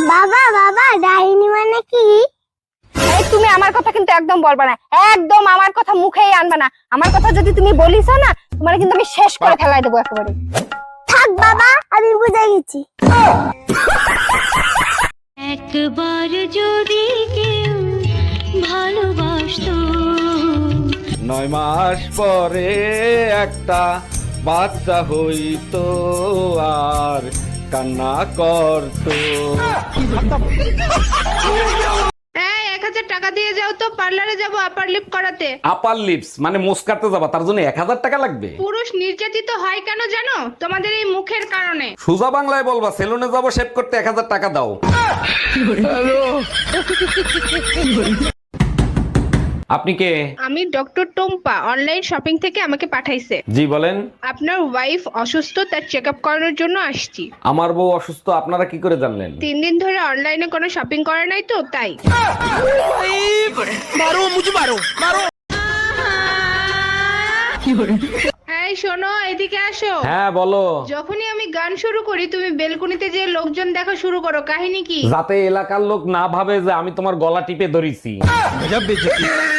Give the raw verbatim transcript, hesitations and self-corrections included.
বাবা বাবা ডাইনি মানে কি? এই তুমি আমার কথা কিন্তু একদম বলবা না, একদম আমার কথা মুখেই আনবা না। আমার কথা যদি তুমি বলিস না, তোমার কিন্তু আমি শেষ করে ফেলাই দেবো একেবারে। থাক বাবা, আমি বুঝে গেছি। একবার যদি কেউ ভালোবাসতো, নয় মাস পরে একটা বাচ্চা হইতো আর কান্না করতো। এই এক হাজার টাকা দিয়ে যাও তো, পার্লারে যাবো আপার লিপ করাতে। আপার লিপস মানে মুস্কাতে যাবা, তার জন্য এক হাজার টাকা লাগবে? পুরুষ নির্যাতিত হয় কেন জানো? তোমাদের এই মুখের কারণে। সোজা বাংলায় বলবা, সেলুনে যাবো শেভ করতে, এক হাজার টাকা দাও। আপনি কে? আমি ডক্টর টোম্পা, অনলাইন শপিং থেকে আমাকে পাঠাইছে। জি বলেন। আপনার ওয়াইফ অসুস্থ, তার চেক আপ করানোর জন্য আসছি। আমার বউ অসুস্থ, আপনারা কি করে জানলেন? তিন দিন ধরে অনলাইনে কোনো শপিং করে নাই তো, তাই। এই শোনো, এদিকে আসো। হ্যাঁ বলো। যখনই আমি গান শুরু করি তুমি বেলকুনিতে যে লোকজন দেখা শুরু করো, কাহিনী কি? যাতে এলাকার লোক না ভাবে যে আমি তোমার গলা টিপে ধরেছি।